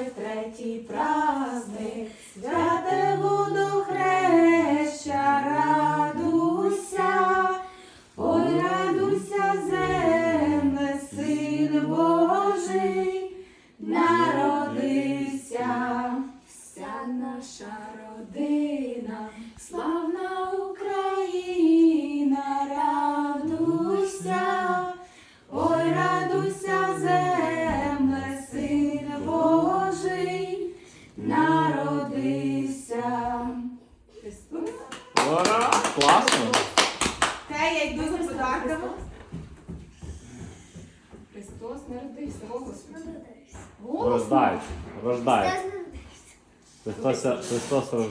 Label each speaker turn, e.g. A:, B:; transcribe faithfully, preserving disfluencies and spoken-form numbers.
A: ой, третій праздник, святе водохреща, радуйся, ой, радуйся, земле, Син Божий народився. Вся наша родина, славна Україна, радуйся, ой, радуйся, земле, Син Божий народився. Христос.
B: Ура! Класно!
A: Те, я йду за подарками. Христос народився. О, Господи.
B: Рождається. Рождається. Христос, Христос рождається.